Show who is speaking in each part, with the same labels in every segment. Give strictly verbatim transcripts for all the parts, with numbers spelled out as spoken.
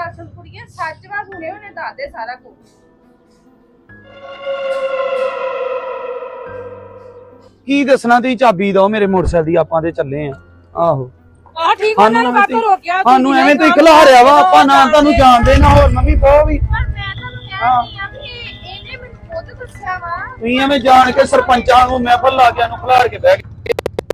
Speaker 1: ਗੱਲ ਸੁਣ ਕੁੜੀਏ, ਸੱਚ ਵਾ ਸੁਣੇ ਉਹਨੇ ਦੱਸ ਦੇ ਸਾਰਾ ਕੁਝ।
Speaker 2: ਕੀ ਦੱਸਣਾ, ਤੁਸੀਂ ਚਾਬੀ ਦਿਓ ਮੇਰੇ ਮੋਟਰਸਾਈਕਲ ਦੀ, ਆਪਾਂ ਤੇ ਚੱਲੇ ਆ। ਆਹੋ
Speaker 1: ਆ ਠੀਕ ਆ, ਨਾ ਬਾਤੋਂ ਰੋਕਿਆ
Speaker 2: ਸਾਨੂੰ ਐਵੇਂ ਤੁਸੀਂ ਖਿਲਾਰਿਆ ਵਾ, ਆਪਾਂ ਨਾ ਤੁਹਾਨੂੰ ਜਾਣਦੇ ਨਾ ਹੋਰ ਮੰਮੀ ਬਹੁ ਵੀ।
Speaker 1: ਪਰ ਮੈਂ ਤੁਹਾਨੂੰ ਕਹਿ ਰਹੀ ਆ ਵੀ ਇਹਨੇ ਮੈਨੂੰ ਖੁਦ ਦੱਸਿਆ ਵਾ।
Speaker 2: ਤੁਸੀਂ ਐਵੇਂ ਜਾਣ ਕੇ ਸਰਪੰਚਾਂ ਨੂੰ ਮਹਿਫਲ ਲਾ ਕੇ ਨੂੰ ਖਿਲਾਰ ਕੇ ਬਹਿ ਗਏ।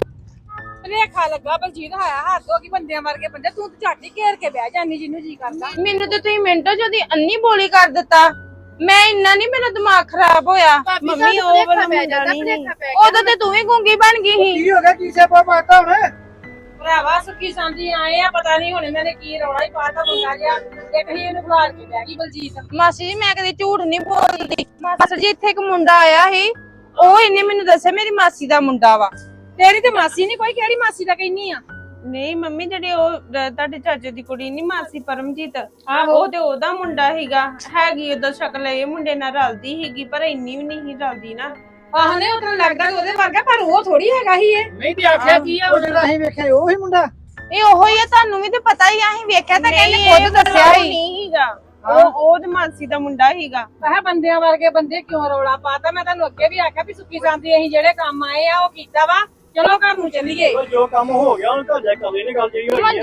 Speaker 1: ਰੇਖਾ ਲੱਗਾ ਬਲਜੀਤ ਆਇਆ ਹੱਥ ਹੋ ਗਈ ਬੰਦਿਆਂ ਵਰਗੇ ਬੰਦੇ, ਤੂੰ ਝੱਟ ਹੀ ਘੇਰ ਕੇ ਬਹਿ ਜਾਂਦੀ ਜਿੰਨੂੰ ਜੀ ਕਰਦਾ।
Speaker 3: ਮੈਨੂੰ ਤੇ ਤੁਸੀਂ ਮਿੰਟੋ ਚ ਉਹਦੀ ਅੰਨੀ ਬੋਲੀ ਕਰ ਦਿੱਤਾ। ਮੈਂ ਇੰਨਾ ਨਹੀਂ, ਮੇਰਾ ਦਿਮਾਗ ਖਰਾਬ ਹੋਇਆ। ਮੰਮੀ ਉਹ ਵਾਲਾ ਮੁੰਡਾ ਨਹੀਂ, ਉਦੋਂ ਤੇ ਤੂੰ ਵੀ ਗੂੰਗੀ ਬਣ ਗਈ ਸੀ।
Speaker 4: ਕੀ ਹੋ ਗਿਆ, ਕੀ ਸਿਆਪਾ ਪਾਤਾ ਹੁਣ?
Speaker 1: ਭਰਾਵਾ ਸੁੱਕੀ ਸਾਂਝੀ ਆਏ ਆ, ਪਤਾ ਨਹੀਂ ਹੁਣ ਇਹਨਾਂ ਨੇ ਕੀ ਰੌਲਾ ਹੀ ਪਾਤਾ ਮੁੰਡਾ ਜਿਹਾ, ਇੱਕ ਹੀ ਇਹਨੂੰ ਖਿਲਾਰ ਕੇ ਬਹਿ ਗਈ ਬਲਜੀਤ।
Speaker 3: ਮਾਸੀ ਜੀ ਮੈਂ ਕਦੇ ਝੂਠ ਨਹੀਂ ਬੋਲਦੀ। ਮਾਸੀ ਜੀ ਇੱਥੇ ਇੱਕ ਮੁੰਡਾ ਆਇਆ ਸੀ, ਉਹ ਇਹਨੇ ਮੈਨੂੰ ਦੱਸਿਆ ਮੇਰੀ ਮਾਸੀ ਦਾ ਮੁੰਡਾ ਵਾ।
Speaker 1: ਤੇਰੀ ਤੇ ਮਾਸੀ ਨਹੀਂ ਕੋਈ, ਕਿਹੜੀ ਮਾਸੀ ਦਾ ਕਹਿਨੀ ਆ?
Speaker 3: ਨਹੀਂ ਮੰਮੀ, ਜਿਹੜੇ ਉਹ ਤੁਹਾਡੇ ਚਾਚੇ ਦੀ ਕੁੜੀ ਨਹੀਂ ਮਾਸੀ ਪਰਮਜੀਤ, ਉਹ ਤੇ ਉਹਦਾ ਮੁੰਡਾ ਹੀਗਾ। ਹੈਗੀ ਉਹਦਾ ਸ਼ਕਲ ਇਹ ਮੁੰਡੇ ਨਾਲ ਰਲਦੀ ਹੀਗੀ, ਪਰ ਇੰਨੀ ਵੀ ਨਹੀਂ ਰਲਦੀ ਨਾ।
Speaker 1: ਆਹ ਨੇ ਉਤਨ ਲੱਗਦਾ ਉਹਦੇ ਵਰਗਾ, ਪਰ ਉਹ ਥੋੜੀ ਹੈਗਾ ਹੀ ਇਹ।
Speaker 4: ਨਹੀਂ ਤੇ ਆਖਿਆ ਕੀ ਆ, ਉਹ ਜਿਹੜਾ ਅਸੀਂ ਵੇਖਿਆ ਉਹ ਹੀ ਮੁੰਡਾ।
Speaker 3: ਇਹ ਉਹੋ ਹੀ ਆ, ਤੁਹਾਨੂੰ ਵੀ ਤੇ ਪਤਾ ਹੀ ਆ, ਅਸੀਂ ਵੇਖਿਆ ਤਾਂ ਕਹਿੰਦੇ ਖੁਦ ਦੱਸਿਆ ਹੀ ਨਹੀਂ ਹੀਗਾ। ਉਹ ਉਹ ਤੇ ਮਾਸੀ ਦਾ ਮੁੰਡਾ ਹੀਗਾ।
Speaker 1: ਆਹ ਬੰਦਿਆਂ ਵਰਗੇ ਬੰਦੇ ਕਿਉਂ ਰੌਲਾ ਪਾਤਾ? ਮੈਂ ਤੁਹਾਨੂੰ ਅੱਗੇ ਵੀ ਆਖਿਆ ਵੀ ਸੁੱਕੀ ਸਾਂਝੀ ਅਸੀਂ ਜਿਹੜੇ ਕੰਮ ਆਏ ਆ ਉਹ ਕੀਤਾ ਵਾ, ਚਲੋ ਘਰ ਨੂੰ ਚੱਲੀਏ।
Speaker 4: ਜੋ ਕੰਮ ਹੋ ਗਿਆ ਹੁਣ ਤਾਂ ਜਾ ਕਮਲੇ ਨੇ ਗੱਲ ਜਿਹੜੀ ਹੋਈ ਆ।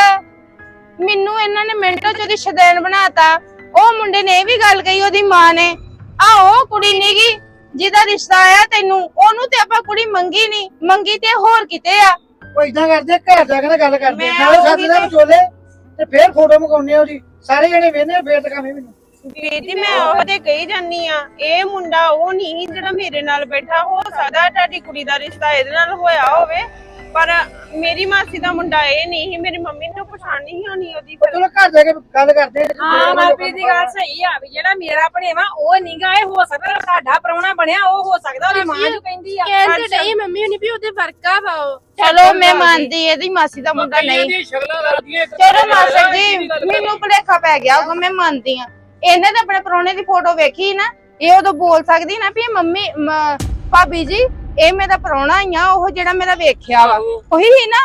Speaker 3: ਮਨਜੋਤ, ਮੈਨੂੰ ਇਹਨਾਂ ਨੇ ਮਿੰਟੋ ਚ ਉਹਦੀ ਸ਼ਦੈਨ ਬਣਾਤਾ। ਉਹ ਮੁੰਡੇ ਨੇ ਇਹ ਵੀ ਗੱਲ ਕਹੀ ਉਹਦੀ ਮਾਂ ਨੇ, ਆ ਉਹ ਕੁੜੀ ਨੀਗੀ ਜਿਹਦਾ ਰਿਸ਼ਤਾ ਆਇਆ ਤੈਨੂੰ, ਉਹਨੂੰ ਤੇ ਆਪਾਂ ਕੁੜੀ ਮੰਗੀ ਨਹੀਂ, ਮੰਗੀ ਤੇ ਹੋਰ ਕਿਤੇ ਆ।
Speaker 4: ਉਹ ਇਦਾਂ ਕਰਦੇ, ਘਰ ਜਾ ਕੇ ਨਾ ਗੱਲ ਕਰਦੇ,
Speaker 3: ਮੈਂ
Speaker 4: ਨਾਲੇ
Speaker 3: ਉਹੀ
Speaker 4: ਸਾਡੇ ਨਾਲ
Speaker 3: ਤੇ-
Speaker 4: ਵਿਚੋਲੇ ਤੇ ਫੇਰ ਫੋਟੋ ਮਗਾਉਣੇ ਆ ਉਹਦੀ, ਸਾਰੇ ਜਣੇ ਵੇਖਦੇ ਫੇਰ ਟਕਾਵੇਂ ਮੈਨੂੰ।
Speaker 3: ਬੇਟੀ ਮੈਂ ਉਹ ਤੇ ਕਹੀ ਜਾਨੀ ਆ, ਇਹ ਮੁੰਡਾ ਉਹ ਨਹੀਂ ਜਿਹੜਾ ਮੇਰੇ ਨਾਲ ਬੈਠਾ। ਹੋ ਸਕਦਾ ਤੁਹਾਡੀ ਕੁੜੀ ਦਾ ਰਿਸ਼ਤਾ ਇਹਦੇ ਨਾਲ ਹੋਇਆ ਹੋਵੇ, ਪਰ ਮੇਰੀ ਮਾਸੀ ਦਾ ਮੁੰਡਾ ਇਹ ਨਹੀਂ ਸੀ। ਮੇਰੀ ਮੰਮੀ ਨੂੰ ਪਛਾਣ ਨਹੀਂ ਹੋਣੀ ਉਹਦੀ।
Speaker 4: ਚਲੋ ਘਰ ਜਾ ਕੇ ਗੱਲ ਕਰਦੇ।
Speaker 1: ਹਾਂ ਮਨਪ੍ਰੀਤ ਦੀ ਗੱਲ ਸਹੀ ਆ, ਵੀ ਜਿਹੜਾ ਮੇਰਾ ਭਣੇਵਾ ਉਹ ਨੀਗਾ, ਇਹ ਹੋ ਸਕਦਾ ਸਾਡਾ ਪ੍ਰਾਹੁਣਾ ਬਣਿਆ, ਉਹ ਹੋ ਸਕਦਾ ਉਹਦੀ ਮਾਂ ਜੋ ਕਹਿੰਦੀ ਆ।
Speaker 3: ਕਹਿੰਦੇ ਨਹੀਂ ਮੰਮੀ ਹੁਣੀ ਵੀ ਉਹਦੇ ਵਰਕਾ ਵਾ ਉਹ। ਚਲੋ ਮੈਂ ਮੰਨਦੀ ਇਹਦੀ ਮਾਸੀ ਦਾ ਮੁੰਡਾ ਨਹੀਂ। ਚਲੋ ਮਾਸਟਰ ਜੀ, ਮੈਨੂੰ ਭੁਲੇਖਾ ਪੈ ਗਿਆ ਉਹ, ਮੈਂ ਮੰਨਦੀ ਆ। ਇਹਨੇ ਤਾਂ ਆਪਣੇ ਪ੍ਰਾਹੁਣੇ ਦੀ ਫੋਟੋ ਵੇਖੀ ਨਾ, ਇਹ ਉਦੋਂ ਬੋਲ ਸਕਦੀ ਨਾ ਵੀ ਮੰਮੀ ਭਾਬੀ ਜੀ ਇਹ ਮੇਰਾ ਪ੍ਰਾਹੁਣਾ ਹੀ ਆ, ਉਹ ਜਿਹੜਾ ਮੇਰਾ ਵੇਖਿਆ ਵਾ ਉਹੀ ਹੀ ਨਾ।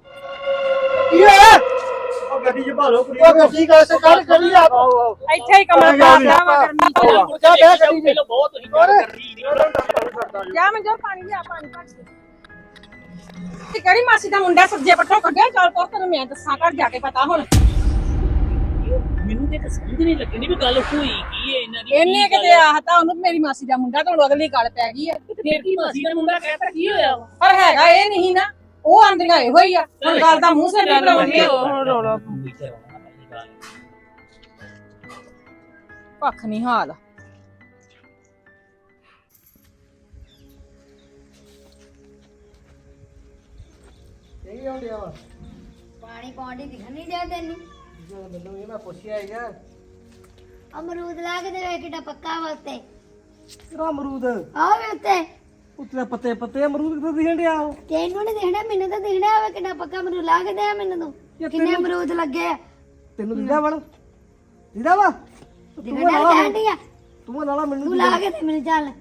Speaker 4: ਕੀ ਹੋਇਆ? ਉਹ ਗੱਡੀ 'ਚ ਭਾਲੋ ਕੁੜੀ, ਉਹ ਗੱਡੀ ਕਾਹ ਸੇ ਕੱਢ ਕਰੀ ਆ।
Speaker 1: ਇੱਥੇ ਹੀ ਕਮਲ ਪਾਦਾ ਵਾ ਕਰਨੀ ਚ।
Speaker 4: ਜਾ ਬਹਿ ਗੱਡੀ 'ਚ।
Speaker 5: ਬਹੁਤ ਹੀ ਗੱਲ ਕਰ ਰਹੀ
Speaker 1: ਜਾ ਮੈਂ ਜੋ ਪਾਣੀ ਲਿਆ, ਪਾਣੀ ਭਰ ਕੇ। ਤੇ ਕਿਹੜੀ ਮਾਸੀ ਦਾ ਮੁੰਡਾ ਸੱਜੇ ਪੱਟੋਂ ਕੱਢਿਆ? ਚੱਲ ਪੁੱਤ ਤੈਨੂੰ ਮੈਂ ਦੱਸਾਂ, ਘਰ ਜਾ ਕੇ ਪਤਾ ਹੁਣ।
Speaker 5: ਮੈਨੂੰ ਤੇ ਸਮਝ ਨਹੀਂ ਲੱਗਣੀ ਵੀ ਗੱਲ ਹੋਈ ਕੀ ਹੈ ਇਹਨਾਂ ਦੀ।
Speaker 1: ਇਹਨੇ ਕਿਤੇ ਆਹਤਾ ਉਹਨੂੰ ਮੇਰੀ ਮਾਸੀ ਦਾ ਮੁੰਡਾ, ਤੇ ਹੁਣ ਅਗਲੀ ਗੱਲ ਪੈ ਗਈ ਹੈ।
Speaker 5: ਬੇਟੀ ਮਾਸੀ ਦਾ ਮੁੰਡਾ ਕਹਿੰਦਾ ਕੀ ਹੋਇਆ?
Speaker 1: ਪਰ ਹੈਗਾ ਇਹ ਨਹੀਂ ਨਾ, ਉਹ ਆਂਦੀਆਂ ਇਹੋ ਹੀ ਆ। ਹੁਣ ਗੱਲ ਦਾ ਮੂੰਹ ਸਿਰ ਨਹੀਂ ਬਣਾਉਣੀ,
Speaker 3: ਉਹ ਰੋਲਾ
Speaker 1: ਪੱਖ ਨਹੀਂ ਹਾਲ।
Speaker 4: ਇਹ ਆਉਂਦਿਆ ਵਾ
Speaker 6: ਪਾਣੀ ਪੌਂਡੀ ਦਿਖਣ ਨਹੀਂ ਡਿਆ ਤੈਨੂੰ?
Speaker 4: ਜੋ ਮੈਨੂੰ ਇਹ ਮੈਂ ਪੁੱਛਿਆ ਹੈਗਾ,
Speaker 6: ਅਮਰੂਦ ਲਾ ਕੇ ਦੇ ਕਿੱਡਾ ਪੱਕਾ ਵਾ ਉੱਤੇ।
Speaker 4: ਤੇਰਾ ਅਮਰੂਦ
Speaker 6: ਆਹ ਵੇ ਉੱਤੇ,
Speaker 4: ਉੱਤੇ ਪੱਤੇ ਪੱਤੇ ਅਮਰੂਦ ਕਿੱਥੇ ਦਿਖਣ ਡਿਆ?
Speaker 6: ਤੈਨੂੰ ਨਹੀਂ ਦਿਖਣਾ, ਮੈਨੂੰ ਤਾਂ ਦਿਖਣਾ ਵਾ ਕਿੱਡਾ ਪੱਕਾ ਅਮਰੂਦ। ਲਾ ਕੇ ਦੇ ਮੈਨੂੰ ਤੂੰ, ਕਿੰਨੇ ਅਮਰੂਦ ਲੱਗੇ ਆ?
Speaker 4: ਤੈਨੂੰ ਦਿਖਦਾ ਵਣ ਦਿਖਦਾ ਵਾ?
Speaker 6: ਦਿਖਣਾ ਕਹਿੰਦੀ ਆ
Speaker 4: ਤੂੰ ਲਾਲਾ ਮੈਨੂੰ
Speaker 6: ਤੂੰ, ਲਾ ਕੇ ਦੇ ਮੈਨੂੰ। ਚੱਲ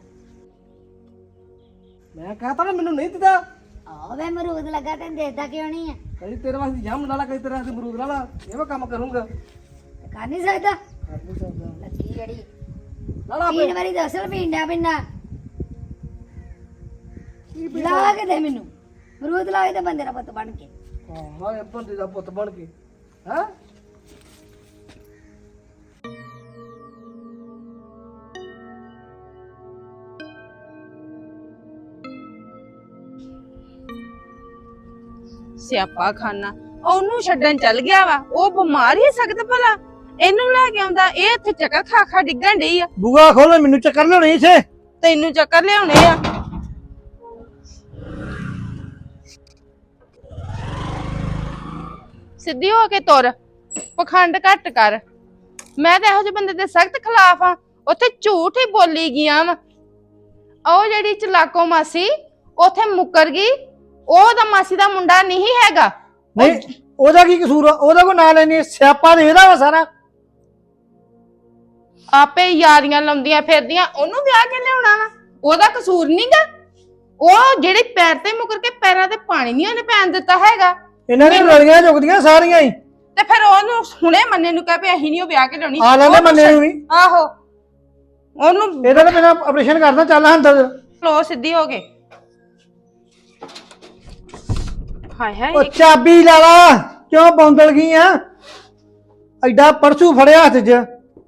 Speaker 4: ਮੈਂ ਕਹਤਾ ਨਾ ਮੈਨੂੰ ਨਹੀਂ ਦਿਖਦਾ।
Speaker 6: ਆਹ ਵੇ ਅਮਰੂਦ ਲੱਗਾ, ਤੈਨੂੰ ਦੇਖਦਾ ਕਿਉਂ ਨਹੀਂ ਆ?
Speaker 4: ਕਦੀ ਤੇਰੇ ਵਾਸਤੇ ਜਾਮ ਲਾਲਾ, ਕਦੀ ਤੇਰੇ ਵਾਸਤੇ ਅਮਰੂਦ ਲਾਲਾ, ਇਹ ਮੈਂ ਕੰਮ ਕਰੂੰਗਾ।
Speaker 6: ਤੇ ਕਰ ਨਹੀਂ ਸਕਦਾ
Speaker 4: ਕਰ ਨਹੀਂ ਸਕਦਾ
Speaker 6: ਲੱਗੀ ਜਿਹੜੀ
Speaker 4: ਲਾਲਾ।
Speaker 6: ਤਿੰਨ ਵਾਰੀ ਦੱਸਲ ਪੀਂਦਾ ਪਿੰਨਾ। ਲਾ ਕੇ ਦੇ ਮੈਨੂੰ ਅਮਰੂਦ, ਲਾ ਕੇ ਦੇ ਬੰਦੇ ਦਾ ਪੁੱਤ ਬਣ ਕੇ।
Speaker 4: ਹਾਂ ਹਾਂ, ਇਹ ਬੰਦੇ ਦਾ ਪੁੱਤ ਬਣ ਕੇ। ਹਾਂ
Speaker 3: ਸਿਆਪਾ ਖਾਨਾ ਉਹਨੂੰ ਛੱਡਣ ਚੱਲ ਗਿਆ ਵਾ। ਉਹ ਬਿਮਾਰ ਹੀ ਸਕਦਾ ਭਲਾ, ਇਹਨੂੰ ਲੈ ਕੇ ਆਉਂਦਾ। ਇਹ ਇੱਥੇ ਚੱਕਰ ਖਾ ਖਾ ਡਿੱਗਣ ਡਈ ਆ।
Speaker 4: ਬੂਆ ਖੋਲ, ਮੈਨੂੰ ਚੱਕਰ ਲਿਆਉਣੀ ਇੱਥੇ।
Speaker 3: ਤੈਨੂੰ ਚੱਕਰ ਲਿਆਉਣੇ ਆ। ਸਿੱਧੀ ਹੋ ਕੇ ਤੁਰ, ਪਖੰਡ ਘੱਟ ਕਰ। ਮੈਂ ਤਾਂ ਇਹੋ ਜਿਹੇ ਬੰਦੇ ਦੇ ਸਖਤ ਖਿਲਾਫ ਆ। ਉੱਥੇ ਝੂਠ ਹੀ ਬੋਲੀ ਗਿਆ ਵਾ। ਉਹ ਜਿਹੜੀ ਚਲਾਕੋ ਮਾਸੀ ਉੱਥੇ ਮੁੱਕਰ ਗਈ, ਉਹ ਤਾਂ ਮਾਸੀ ਦਾ ਮੁੰਡਾ ਨਹੀਂ ਹੈਗਾ।
Speaker 4: ਨਹੀਂ ਉਹਦਾ ਕੀ ਕਸੂਰ ਆ? ਉਹਦਾ ਕੋ ਨਾਂ ਲੈਣੀ, ਸਿਆਪਾ ਦੇ ਇਹਦਾ ਵਾ ਸਾਰਾ।
Speaker 3: ਆਪੇ ਯਾਰੀਆਂ ਲਾਉਂਦੀਆਂ ਫਿਰਦੀਆਂ, ਉਹਨੂੰ ਵਿਆਹ ਕੇ ਲਿਆਉਣਾ ਵਾ। ਉਹਦਾ ਕਸੂਰ ਨਹੀਂਗਾ। ਉਹ ਜਿਹੜੀ ਪੈਰ ਤੇ ਮੁਕਰ ਕੇ ਪੈਰਾਂ ਤੇ ਪਾਣੀ ਨਹੀਂ ਉਹਨੇ ਪੈਣ ਦਿੱਤਾ ਹੈਗਾ।
Speaker 4: ਇਹਨਾਂ ਦੀਆਂ ਲੜੀਆਂ ਝੁਕਦੀਆਂ ਸਾਰੀਆਂ ਹੀ।
Speaker 3: ਤੇ ਫਿਰ ਉਹਨੂੰ ਹੁਣੇ ਮੰਨੇ ਨੂੰ ਕਹਿ ਵੀ ਅਸੀਂ ਨਹੀਂ ਉਹ ਵਿਆਹ ਕੇ ਲਿਆਉਣੀ
Speaker 4: ਆ ਲੈਂਦੇ ਮੰਨੇ ਨੂੰ ਵੀ
Speaker 3: ਆਹੋ ਉਹਨੂੰ
Speaker 4: ਇਹਦਾ ਤਾਂ ਮੇਰਾ ਆਪਰੇਸ਼ਨ ਕਰਨਾ ਚੱਲ ਅੰਦਰ
Speaker 3: ਲੋ ਸਿੱਧੀ ਹੋ ਗਏ ਹਾਏ ਹਾਏ
Speaker 4: ਉਹ ਚਾਬੀ ਲਾ ਲਾ ਕਿਉਂ ਬੌਂਦਲ ਗਈ ਆ ਐਡਾ ਪਰਸੂ ਫੜਿਆ ਹੱਥ 'ਚ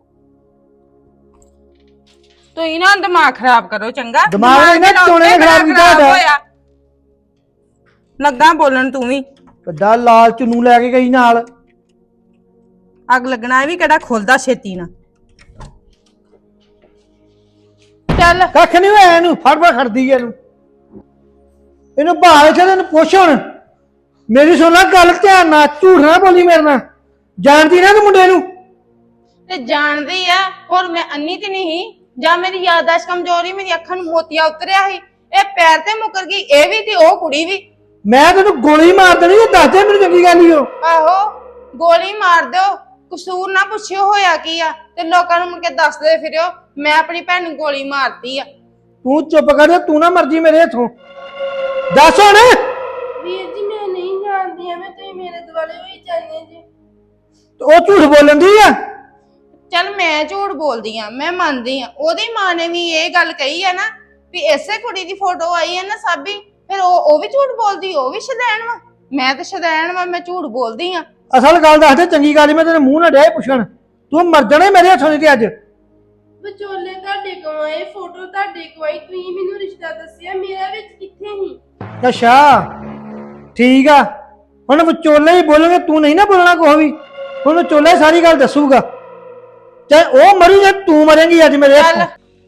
Speaker 3: ਤੁਸੀਂ ਨਾ ਦਿਮਾਗ ਖਰਾਬ ਕਰੋ ਚੰਗਾ
Speaker 4: ਦਿਮਾਗ ਨੇ ਨਾ ਚੋਣੇ ਖਰਾਬ ਕੀਤਾ ਸਾਡਾ
Speaker 3: ਲੱਗਾ ਬੋਲਣ ਤੂੰ ਵੀ
Speaker 4: ਵੱਡਾ ਲਾਲ ਚੁੰਨੂ ਲੈ ਕੇ ਗਈ ਨਾਲ
Speaker 3: ਅੱਗ ਲੱਗਣਾ ਵੀ ਕਿਹੜਾ ਖੁੱਲਦਾ ਛੇਤੀ ਨਾ ਚੱਲ
Speaker 4: ਕੱਖ ਨਹੀਂ ਹੋਇਆ ਇਹਨੂੰ ਫੜ ਫੜ ਖੜਦੀ ਐ ਇਹਨੂੰ ਇਹਨੂੰ ਭਾਲ ਕੇ ਇਹਨੂੰ ਪੁੱਛ ਹੁਣ ਮੇਰੀ ਸੁਣ ਲੈ ਗੱਲ ਧਿਆਨ ਨਾਲ ਝੂਠ ਨਾ ਬੋਲੀ ਮੇਰੇ ਨਾਲ ਜਾਣਦੀ ਨਾ ਤੂੰ ਮੁੰਡੇ ਨੂੰ
Speaker 3: ਤੇ ਜਾਣਦੀ ਆ ਹੋਰ ਮੈਂ ਅੰਨੀ ਤੇ ਨਹੀਂ ਜਾਂ ਮੇਰੀ ਯਾਦਾਸ਼ਤ ਕਮਜ਼ੋਰੀ ਮੇਰੀ ਅੱਖਾਂ ਨੂੰ ਮੋਤੀਆ ਉਤਰਿਆ ਸੀ ਇਹ ਪੈਰ ਤੇ ਮੁਕਰ ਗਈ ਇਹ ਵੀ ਤੇ ਉਹ ਕੁੜੀ ਵੀ
Speaker 4: ਮੈਂ ਤੈਨੂੰ ਗੋਲੀ ਮਾਰ ਦੇਣੀ ਉਹ ਦੱਸ ਦੇ ਮੈਨੂੰ ਚੰਗੀ ਗੱਲ ਹੀ ਉਹ
Speaker 3: ਆਹੋ ਗੋਲੀ ਮਾਰ ਦਿਓ ਕਸੂਰ ਨਾ ਪੁੱਛਿਓ ਹੋਇਆ ਕੀ ਆ ਤੇ ਲੋਕਾਂ ਨੂੰ ਮੁੜ ਕੇ ਦੱਸਦੇ ਫਿਰਿਓ ਮੈਂ ਆਪਣੀ ਭੈਣ ਨੂੰ ਗੋਲੀ ਮਾਰਤੀ ਆ
Speaker 4: ਤੂੰ ਚੁੱਪ ਕਰ ਤੂੰ ਨਾ ਮਰਜੀ ਮੇਰੇ ਹੱਥੋਂ ਦੱਸ ਹੁਣ
Speaker 7: ਵੀਰ ਜੀ ਮੈਂ ਨਹੀਂ ਜਾਣਦੀ ਐਵੇਂ ਤੁਸੀਂ ਮੇਰੇ ਦੁਆਲੇ ਹੋਈ ਜਾਂਦੇ ਜੀ
Speaker 4: ਉਹ ਝੂਠ ਬੋਲਣ ਦੀ ਆ
Speaker 3: ਚੱਲ ਮੈਂ ਝੂਠ ਬੋਲਦੀ ਆ ਮੈਂ ਮੰਨਦੀ ਆ ਉਹਦੀ ਮਾਂ ਨੇ ਵੀ ਇਹ ਗੱਲ ਕਹੀ ਆ ਨਾ ਵੀ ਇਸੇ ਕੁੜੀ ਦੀ ਫੋਟੋ ਆਈ ਹੈ ਨਾ ਸਾਬੀ ਫਿਰ ਉਹ ਉਹ ਵੀ ਝੂਠ ਬੋਲਦੀ ਉਹ ਵੀ ਸ਼ੈਤਾਨ ਵਾ ਮੈਂ ਤਾਂ ਸ਼ੈਤਾਨ ਵਾ ਮੈਂ ਝੂਠ ਬੋਲਦੀ ਆ
Speaker 4: ਅਸਲ ਗੱਲ ਦੱਸ ਦੇ ਚੰਗੀ ਗੱਲ ਮੈਂ ਤੇਰੇ ਮੂੰਹ ਨਾਲ ਡਿਆ ਪੁੱਛਣ ਤੂੰ ਮਰ ਜਾਣਾ ਮੇਰੇ ਹੱਥੋਂ ਦੀ ਅੱਜ
Speaker 7: ਵਿਚੋਲੇ ਤੁਹਾਡੇ ਕੋਲ ਆਏ ਫੋਟੋ ਤੁਹਾਡੇ ਕੋਲ ਆਈ ਤੁਸੀਂ ਮੈਨੂੰ ਰਿਸ਼ਤਾ ਦੱਸਿਆ ਮੇਰਾ ਵਿੱਚ ਕਿੱਥੇ ਸੀ
Speaker 4: ਅੱਛਾ ਠੀਕ ਆ ਹੁਣ ਵਿਚੋਲੇ ਹੀ ਬੋਲੋਗੇ ਤੂੰ ਨਹੀਂ ਨਾ ਬੋਲਣਾ ਕੋਈ ਵੀ ਹੁਣ ਵਿਚੋਲੇ ਸਾਰੀ ਗੱਲ ਦੱਸੂਗਾ ਚਾਹੇ ਉਹ ਮਰੀ ਜਾਂ ਤੂੰ ਮਰੇਂਗੀ ਅੱਜ ਮੇਰੇ ਹੱਥੋਂ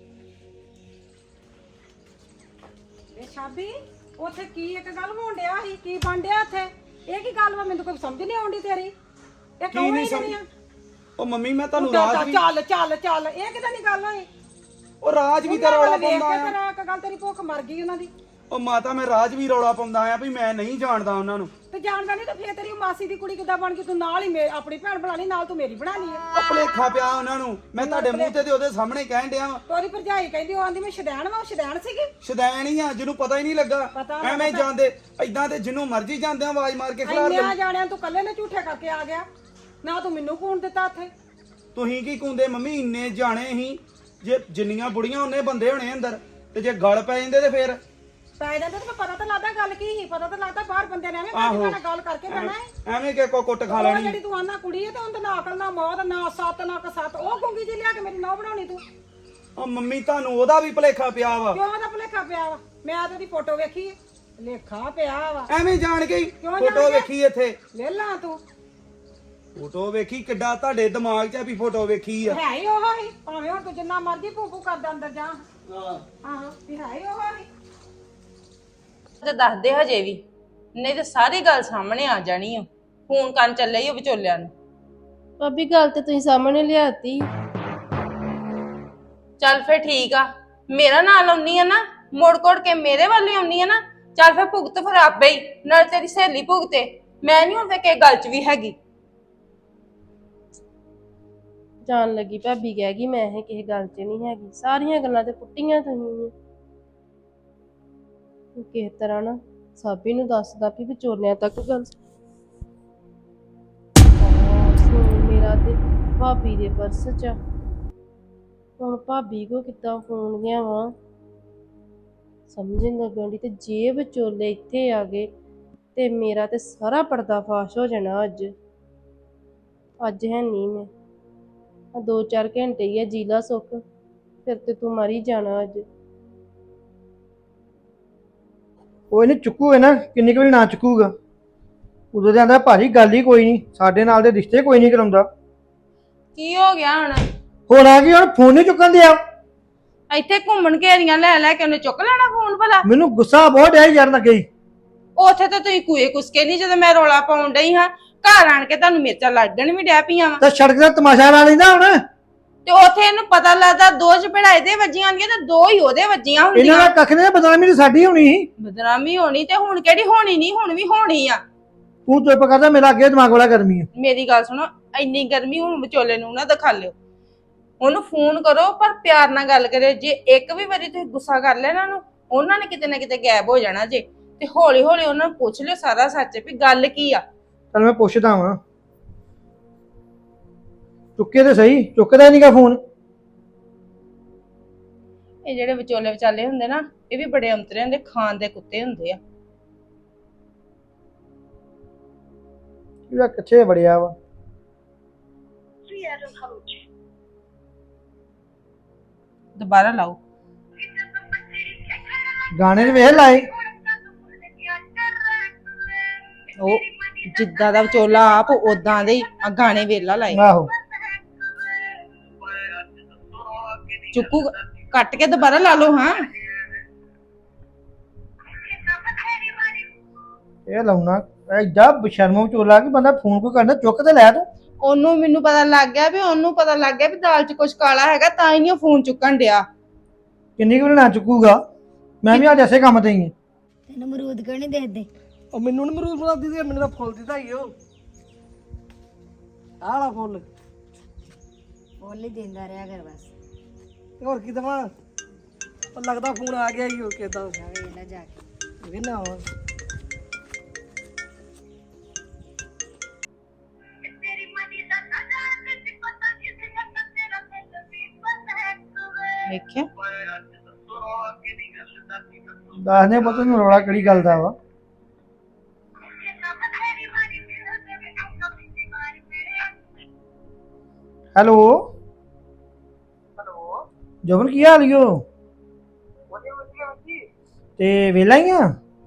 Speaker 1: ਵੇ ਸ਼ਾਬੀ ਉੱਥੇ ਕੀ ਇੱਕ ਗੱਲ ਹੋਣ ਡਿਆ ਸੀ ਕੀ ਬਣ ਡਿਆ ਉੱਥੇ ਇਹ ਕੀ ਗੱਲ ਵਾ ਮੈਨੂੰ ਕੋਈ ਸਮਝ ਨਹੀਂ ਆਉਂਦੀ ਤੇਰੀ ਇਹ
Speaker 2: ਕੀ
Speaker 1: ਕੌਣ
Speaker 2: ਨਹੀਂ
Speaker 1: ਹੀ
Speaker 2: ਸਮਝ
Speaker 1: ਨਹੀਂ ਆ
Speaker 2: ਉਹ ਮੰਮੀ ਮੈਂ ਤੁਹਾਨੂੰ
Speaker 1: ਚੱਲ
Speaker 2: ਰਾਜ ਵੀ
Speaker 1: ਚੱਲ ਚੱਲ ਚੱਲ ਇਹ ਕਿਦਾਂ ਦੀ ਗੱਲ ਹੋਈ
Speaker 2: ਉਹ ਰਾਜ ਵੀ ਤਾਂ ਰੌਲਾ ਪਾਉਂਦਾ ਆ
Speaker 1: ਤੇਰਾ ਇੱਕ ਗੱਲ ਤੇਰੀ ਭੁੱਖ ਮਰ ਗਈ ਉਹਨਾਂ ਦੀ
Speaker 2: ਉਹ ਮਾਤਾ ਮੈਂ ਰਾਜ ਵੀ ਰੌਲਾ ਪਾਉਂਦਾ ਆ ਵੀ ਮੈਂ ਨਹੀਂ ਜਾਣਦਾ ਉਹਨਾਂ ਨੂੰ
Speaker 1: ਤੇ ਜਾਣਦਾ ਨਹੀਂ ਤਾਂ ਫੇਰ ਤੇਰੀ ਮਾਸੀ ਦੀ ਕੁੜੀ ਕਿੱਦਾਂ ਬਣ ਗਈ ਤੂੰ ਨਾਲ ਹੀ ਮੇ- ਆਪਣੀ ਭੈਣ ਬਣਾ ਲਈ ਨਾਲ ਤੂੰ ਮੇਰੀ ਬਣਾ ਲਈ ਹੈ
Speaker 2: ਉਹ ਭੁਲੇਖਾ ਪਿਆ ਉਹਨਾਂ ਨੂੰ ਮੈਂ ਤੁਹਾਡੇ ਮੂੰਹ ਤੇ ਤੇ ਉਹਦੇ ਸਾਹਮਣੇ ਕਹਿਣ ਡਿਆ ਵਾਂ
Speaker 1: ਤੋਰੀ ਭਰਜਾਈ ਕਹਿੰਦੀ ਉਹ ਆਂਦੀ ਮੈਂ ਸ਼ਦੈਣ ਵਾਂ ਉਹ ਸ਼ਦੈਣ ਸੀਗੀ
Speaker 2: ਸ਼ਦੈਣ ਹੀ ਆ ਜਿਹਨੂੰ ਪਤਾ ਹੀ ਨਹੀਂ ਲੱਗਾ
Speaker 1: ਪਤਾ ਨਾ
Speaker 2: ਐਵੇਂ ਜਾਂਦੇ ਐਦਾਂ ਤੇ ਜਿਹਨੂੰ ਮਰਜ਼ੀ ਜਾਂਦੇ ਆ ਆਵਾਜ਼ ਮਾਰ ਕੇ ਖਿਲਾਰ
Speaker 1: ਇੰਨਿਆਂ ਜਾਣਿਆਂ ਤੂੰ ਕੱਲੇ ਨੇ ਝੂਠੇ ਕਰਕੇ ਆ ਗਿਆ ਨਾ ਤੂੰ ਮੈਨੂੰ ਕੂਣ ਦਿੱਤਾ ਉੱਥੇ
Speaker 2: ਤੁਸੀਂ ਕੀ ਕੁੰਦੇ ਮੰਮੀ ਇੰਨੇ ਜਾਣੇ ਹੀ ਜੇ ਜਿੰਨੀਆਂ ਬੁੜੀਆਂ ਉਹਨੇ ਬੰਦੇ ਹੋਣੇ ਅੰਦਰ ਤੇ ਜੇ ਗਲ ਪੈ ਜਾਂਦੇ ਤੇ ਫੇਰ
Speaker 1: ਪੈ ਜਾਂਦੇ ਤੇ ਪਤਾ ਤਾਂ ਲੱਗਦਾ ਗੱਲ ਕੀ ਸੀ ਪਤਾ ਤਾਂ ਲੱਗਦਾ ਬਾਹਰ ਬੰਦੇ ਨੇ ਐਵੇਂ
Speaker 2: ਆਹੋ।
Speaker 1: ਬੰਦੇ ਨਾਲ ਗੱਲ ਕਰਕੇ ਬਹਿਣਾ ਹੈ
Speaker 2: ਐਵੇਂ ਕਿ ਕੋ ਕੁੱਟ ਖਾ
Speaker 1: ਉਹ
Speaker 2: ਲੈਣੀ
Speaker 1: ਜਿਹੜੀ ਤੂੰ ਆਨਾ ਕੁੜੀ ਹੈ ਤੇ ਉਹਦਾ ਨਾ ਅਕਲ ਨਾ ਮੌਤ ਨਾ ਸੱਤ ਨਾ ਕਸੱਤ ਉਹ ਗੁੰਗੀ ਜੀ ਲਿਆ ਕੇ ਮੇਰੀ ਨੌ ਬਣਾਉਣੀ ਤੂੰ
Speaker 2: ਉਹ ਮੰਮੀ ਤੁਹਾਨੂੰ ਉਹਦਾ ਵੀ ਭੁਲੇਖਾ ਪਿਆ ਵਾ
Speaker 1: ਕਿਉਂ ਦਾ ਭੁਲੇਖਾ ਪਿਆ ਵਾ ਮੈਂ ਤਾਂ ਉਹਦੀ ਫੋਟੋ ਵੇਖੀ ਹੈ ਲੇਖਾ ਪਿਆ ਵਾ
Speaker 2: ਐਵੇਂ ਜਾਣ ਕੇ ਹੀ
Speaker 1: ਕਿਉਂ ਜਾਣ
Speaker 2: ਫੋਟੋ
Speaker 1: ਕੇ?
Speaker 2: ਵੇਖੀ ਇੱਥੇ
Speaker 1: ਲੈ ਲਾ ਤੂੰ
Speaker 2: ਫੋਟੋ ਵੇਖੀ ਕਿੱਡਾ ਤੁਹਾਡੇ ਦਿਮਾਗ 'ਚ ਆ ਵੀ ਫੋਟੋ ਵੇਖੀ ਆ
Speaker 1: ਹੈ ਹੀ ਉਹ ਹੀ ਭਾਵੇਂ ਹੁਣ ਤੂੰ ਜਿੰਨਾ ਮਰਜ਼ੀ ਭੂਪੂ ਕਰਦਾ ਅੰਦਰ ਜਾ ਆਹੋ ਵੀ ਹੈ ਹੀ ਉਹ ਹੀ
Speaker 3: ਤੇ ਦੱਸਦੇ ਹਜੇ ਵੀ ਨਹੀਂ ਤੇ ਸਾਰੀ ਗੱਲ ਸਾਹਮਣੇ ਆ ਜਾਣੀ ਓ ਫੋਨ ਕਰਨ ਚੱਲੇ ਈ ਉਹ ਵਿਚੋਲਿਆਂ ਨੂੰ
Speaker 7: ਭਾਬੀ ਗੱਲ ਤੇ ਤੁਸੀਂ ਸਾਹਮਣੇ ਲਿਆਤੀ
Speaker 3: ਚੱਲ ਫੇਰ ਠੀਕ ਆ ਮੇਰਾ ਨਾਲ ਆਉਣੀ ਆ ਨਾ ਮੋੜ ਕੋੜ ਕੇ ਮੇਰੇ ਵੱਲ ਹੀ ਆਉਣੀ ਆ ਨਾ ਚੱਲ ਫੇਰ ਭੁਗਤ ਫਿਰ ਆਪੇ ਹੀ ਨਾਲ ਤੇਰੀ ਸਹੇਲੀ ਭੁਗਤੇ ਮੈਂ ਨਹੀਂ ਹੁਣ ਤੇ ਕਿਸੇ ਗੱਲ 'ਚ ਵੀ ਹੈਗੀ
Speaker 7: ਜਾਣ ਲੱਗੀ ਭਾਬੀ ਕਹਿ ਗਈ ਮੈਂ ਇਹ ਕਿਸੇ ਗੱਲ 'ਚ ਨਹੀਂ ਹੈਗੀ ਸਾਰੀਆਂ ਗੱਲਾਂ ਤੇ ਪੁੱਟੀਆਂ ਤੁਸੀਂ ਕਿਸ ਤਰ੍ਹਾਂ ਨਾ ਸਾਬੀ ਨੂੰ ਦੱਸਦਾ ਵੀ ਵਿਚੋਲਿਆਂ ਤੱਕ ਗੱਲ ਫੋਨ ਮੇਰਾ ਤੇ ਭਾਬੀ ਦੇ ਪਰਸ 'ਚ ਆ। ਹੁਣ ਭਾਬੀ ਕੋ ਕਿੱਦਾਂ ਫੋਨ ਲਿਆਵਾਂ ਸਮਝ ਨਹੀਂ ਲੱਗਣ ਦੀ ਤੇ ਜੇ ਵਿਚੋਲੇ ਇੱਥੇ ਆ ਗਏ ਤੇ ਮੇਰਾ ਤੇ ਸਾਰਾ ਪਰਦਾ ਫਾਸ਼ ਹੋ ਜਾਣਾ ਅੱਜ ਅੱਜ ਹੈ ਨਹੀਂ ਮੈਂ ਆ ਦੋ ਚਾਰ ਘੰਟੇ ਹੀ ਆ ਜੀਲਾ ਸੁੱਖ ਫਿਰ ਤੇ ਤੂੰ ਮਰ ਹੀ ਜਾਣਾ ਅੱਜ
Speaker 4: ਉਹ ਇਹਨੇ ਚੁੱਕੂ ਹੈ ਨਾ ਕਿੰਨੀ ਕੁ ਵਾਰੀ ਨਾ ਚੁੱਕੂਗਾ ਉਦੋਂ ਦੇ ਆਂਦਾ ਭਾਜੀ ਗੱਲ ਹੀ ਕੋਈ ਨਹੀਂ ਸਾਡੇ ਨਾਲ ਦੇ ਰਿਸ਼ਤੇ ਕੋਈ ਨਹੀਂ ਕਰਾਉਂਦਾ
Speaker 3: ਕੀ ਹੋ ਗਿਆ ਹੁਣ
Speaker 4: ਹੁਣ ਆ ਗਈ ਹੁਣ ਫੋਨ ਨਹੀਂ ਚੁੱਕਣ ਦਿਆ
Speaker 3: ਇੱਥੇ ਘੁੰਮਣ ਘੇਰੀਆਂ ਲੈ ਲੈ ਕੇ ਉਹਨੇ ਚੁੱਕ ਲੈਣਾ ਫੋਨ ਭਲਾ
Speaker 4: ਮੈਨੂੰ ਗੁੱਸਾ ਬਹੁਤ ਆਇਆ ਯਾਰ ਲੱਗੇ
Speaker 3: ਉੱਥੇ ਤਾਂ ਤੁਸੀਂ ਕੂਏ ਕੁਸਕੇ ਨਹੀਂ ਜਦੋਂ ਮੈਂ ਰੋਲਾ ਪਾਉਣ ਡਈ ਹਾਂ ਘਰ ਆਣ ਕੇ ਤੁਹਾਨੂੰ ਮਿਰਚਾਂ ਲੱਗਣ ਵੀ ਡੈ ਪਈਆਂ ਵਾ
Speaker 4: ਤਾਂ ਸੜਕ ਦਾ ਤਮਾਸ਼ਾ ਲਾ ਲੈਂਦਾ ਹੁਣ
Speaker 3: ਤੇ ਉੱਥੇ ਇਹਨੂੰ ਪਤਾ ਲੱਗਦਾ ਦੋ ਚਪੇੜਾ ਇਹਦੇ ਵੱਜੀਆਂ ਹੁੰਦੀਆਂ ਤੇ ਦੋ ਹੀ ਉਹਦੇ ਵੱਜੀਆਂ
Speaker 4: ਇਹਨਾਂ
Speaker 3: ਹੁੰਦੀਆਂ
Speaker 4: ਦਾ ਕੱਖ ਨੇ ਬਦਨਾਮੀ ਤਾਂ ਸਾਡੀ ਹੋਣੀ ਸੀ
Speaker 3: ਬਦਨਾਮੀ ਹੋਣੀ ਤੇ ਹੁਣ ਕਿਹੜੀ ਹੋਣੀ ਨਹੀਂ ਹੁਣ ਵੀ ਹੋਣੀ ਆ
Speaker 4: ਤੂੰ ਚੁੱਪ ਕਰਦਾ ਮੇਰਾ ਅੱਗੇ ਦਿਮਾਗ ਵਾਲਾ ਗਰਮੀ ਹੈ
Speaker 3: ਮੇਰੀ ਗੱਲ ਸੁਣੋ ਇੰਨੀ ਗਰਮੀ ਹੁਣ ਵਿਚੋਲੇ ਨੂੰ ਨਾ ਦਿਖਾ ਲਿਓ ਉਹਨੂੰ ਫੋਨ ਕਰੋ ਪਰ ਪਿਆਰ ਨਾਲ ਗੱਲ ਕਰਿਓ ਜੇ ਇੱਕ ਵੀ ਵਾਰੀ ਤੁਸੀਂ ਗੁੱਸਾ ਕਰ ਲਿਆ ਇਹਨਾਂ ਨੂੰ ਉਹਨਾਂ ਨੇ ਕਿਤੇ ਨਾ ਕਿਤੇ ਗਾਇਬ ਹੋ ਜਾਣਾ ਜੇ ਤੇ ਹੌਲੀ ਹੌਲੀ ਉਹਨਾਂ ਨੂੰ ਪੁੱਛ ਲਿਓ ਸਾਰਾ ਸੱਚ ਵੀ ਗੱਲ ਕੀ ਆ
Speaker 4: ਚਲ ਮੈਂ ਪੁੱਛਦਾ ਵਾਂ ਚੁੱਕੇ ਤੇ ਸਹੀ, ਚੁੱਕਦਾ ਨਹੀਂਗਾ ਫੋਨ।
Speaker 3: ਇਹ ਜਿਹੜੇ ਵਿਚੋਲੇ ਵਿਚਾਲੇ ਹੁੰਦੇ ਨਾ, ਇਹ ਵੀ ਬੜੇ ਅੰਤਰੇ ਹੁੰਦੇ, ਖਾਣ ਦੇ ਕੁੱਤੇ ਹੁੰਦੇ ਆ।
Speaker 4: ਇਹਦਾ ਕਿੱਥੇ ਵੜਿਆ ਵਾ?
Speaker 3: ਦੁਬਾਰਾ ਲਾਓ।
Speaker 4: ਗਾਣੇ ਦੇ ਵੇਖ ਲਾਏ।
Speaker 3: ਉਹ ਜਿੱਦਾਂ ਦਾ ਵਿਚੋਲਾ ਆਪ ਉਦਾਂ ਦੇ ਹੀ ਆ ਗਾਣੇ ਵੇਲਾ ਲਾਏ।
Speaker 4: ਆਹੋ
Speaker 3: ਚੁੱਕੂ ਕੱਟ ਕੇ ਦੁਬਾਰਾ ਲਾ ਲਓ। ਹਾਂ
Speaker 4: ਇਹ ਲਾਉਣਾ ਐਡਾ ਬਸ਼ਰਮ ਵਿਚੋਲਾ ਕਿ ਬੰਦਾ ਫੋਨ ਕੋਈ ਕਰਨਾ ਚੁੱਕ ਤੇ ਲੈ ਤੂੰ।
Speaker 3: ਉਹਨੂੰ ਮੈਨੂੰ ਪਤਾ ਲੱਗ ਗਿਆ ਵੀ ਉਹਨੂੰ ਪਤਾ ਲੱਗ ਗਿਆ ਵੀ ਦਾਲ 'ਚ ਕੁਝ ਕਾਲਾ ਹੈਗਾ, ਤਾਂ ਹੀ ਨਹੀਂ ਉਹ ਫੋਨ ਚੁੱਕਣ ਡਿਆ।
Speaker 4: ਕਿੰਨੀ ਕੁ ਨਾ ਚੁੱਕੂਗਾ? ਮੈਂ ਵੀ ਅੱਜ ਐਸੇ ਕੰਮ ਤੇ ਹੀ ਆ।
Speaker 6: ਤੈਨੂੰ ਅਮਰੂਦ ਕਿਉਂ ਨਹੀਂ ਦੇਦੇ?
Speaker 8: ਉਹ ਮੈਨੂੰ ਨੀ ਮਰੂਦ ਬਣਾ ਦਿੱਤੀ, ਮੈਨੂੰ ਤਾਂ ਫੁੱਲ ਦਿੱਤਾ ਹੀ ਉਹ ਆਹ ਵਾਲਾ ਫੁੱਲ।
Speaker 6: ਫੁੱਲ ਹੀ ਦਿੰਦਾ ਰਿਹਾ ਕਰ ਬਸ।
Speaker 8: ਤੇ ਹੋਰ ਕੀ ਦਵਾਂ? ਉਹ ਲੱਗਦਾ ਫੋਨ ਆ ਗਿਆ ਹੀ ਉਹ ਕਿਦਾਂ
Speaker 6: ਵੇਖ ਲੈ ਜਾ ਕੇ।
Speaker 8: ਵੇਨਾ ਵਾ।
Speaker 3: ਵੇਖਿਆ
Speaker 4: ਦੱਸਦੇ ਪਤਾ ਨੂੰ ਰੌਲਾ ਕਿਹੜੀ ਗੱਲ ਦਾ ਵਾ। ਹੈਲੋ
Speaker 8: ਹੈਲੋ
Speaker 4: ਜਵਨ ਕੀ ਹਾਲ ਈਓ? ਤੇ ਵੇਲਾ ਹੀ ਆ?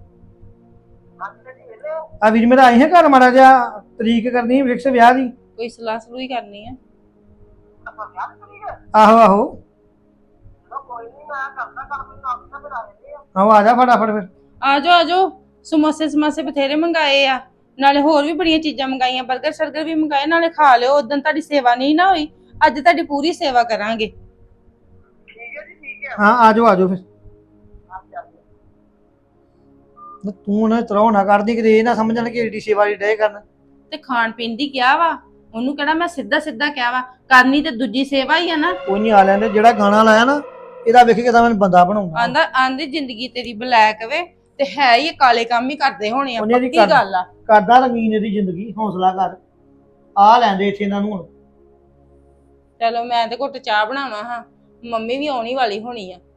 Speaker 4: ਆ ਵੀਰ ਮੇਰਾ ਆਏ ਹੈ ਘਰ, ਮਾੜਾ ਜਿਹਾ ਤਰੀਕ ਕਰਨੀ ਫਿਕਸ ਵਿਆਹ ਦੀ।
Speaker 3: ਕੋਈ ਸਲਾਹ ਸਲੂਹ ਹੀ ਕਰਨੀ ਆ।
Speaker 4: ਆਹੋ ਆਹੋ ਆਹੋ ਆ ਜਾ ਫਟਾਫਟ ਫਿਰ।
Speaker 3: ਆ ਜਾਓ ਆ ਜਾਓ, ਸਮੋਸੇ ਸਮਾਸੇ ਬਥੇਰੇ ਮੰਗਾਏ ਆ, ਨਾਲੇ ਹੋਰ ਵੀ ਬੜੀਆਂ ਚੀਜ਼ਾਂ ਮੰਗਾਈਆਂ, 버ਗਰ ਸ਼ਰਗਰ ਵੀ ਮੰਗਾਏ, ਨਾਲੇ ਖਾ ਲਿਓ। ਉਦੋਂ ਤੁਹਾਡੀ ਸੇਵਾ ਨਹੀਂ ਨਾ ਹੋਈ, ਅੱਜ ਤੁਹਾਡੀ ਪੂਰੀ ਸੇਵਾ ਕਰਾਂਗੇ।
Speaker 4: ਹਾਂ ਆ ਜਾਓ ਆ ਜਾਓ ਫਿਰ। ਤੂੰ ਨਾ ਤਰੋ ਨਾ ਕਰਦੀ ਕਿ ਇਹ ਨਾ ਸਮਝਣ ਕਿ ਏਡੀ ਸੇਵਾ ਦੀ ਡੇ ਕਰਨ।
Speaker 3: ਤੇ ਖਾਣ ਪੀਣ ਦੀ ਕਿਹਾ ਵਾ, ਉਹਨੂੰ ਕਿਹੜਾ ਮੈਂ ਸਿੱਧਾ ਸਿੱਧਾ ਕਿਹਾ ਵਾ, ਕਰਨੀ ਤੇ ਦੂਜੀ ਸੇਵਾ ਹੀ ਆ ਨਾ।
Speaker 4: ਕੋਈ ਨਹੀਂ ਆ ਲੈਂਦੇ, ਜਿਹੜਾ ਗਾਣਾ ਲਾਇਆ ਨਾ ਇਹਦਾ ਵੇਖ ਕੇ ਤਾਂ ਮੈਨੂੰ ਬੰਦਾ ਬਣਾਉਂਦਾ।
Speaker 3: ਆਂਦਾ ਆਂਦੀ ਜ਼ਿੰਦਗੀ ਤੇਰੀ ਬਲੈਕ ਵੇ, ਤੇ ਹੈ ਹੀ ਇਹ ਕਾਲੇ ਕੰਮ ਹੀ ਕਰਦੇ ਹੋਣੇ ਆ।
Speaker 4: ਉਹਨੇ ਦੀ
Speaker 3: ਪੱਕੀ ਗੱਲ ਆ।
Speaker 4: ਕਰਦਾ ਰੰਗੀਨ ਇਹਦੀ ਜ਼ਿੰਦਗੀ, ਹੌਸਲਾ ਕਰ। ਆ ਲੈਂਦੇ ਇੱਥੇ ਇਹਨਾਂ ਨੂੰ ਹੁਣ।
Speaker 3: ਚਲੋ ਮੈਂ ਤੇ ਘੁੱਟ ਚਾਹ ਬਣਾਵਾਂ ਹਾਂ, ਮੰਮੀ ਵੀ ਆਉਣੀ ਵਾਲੀ ਹੋਣੀ ਆ।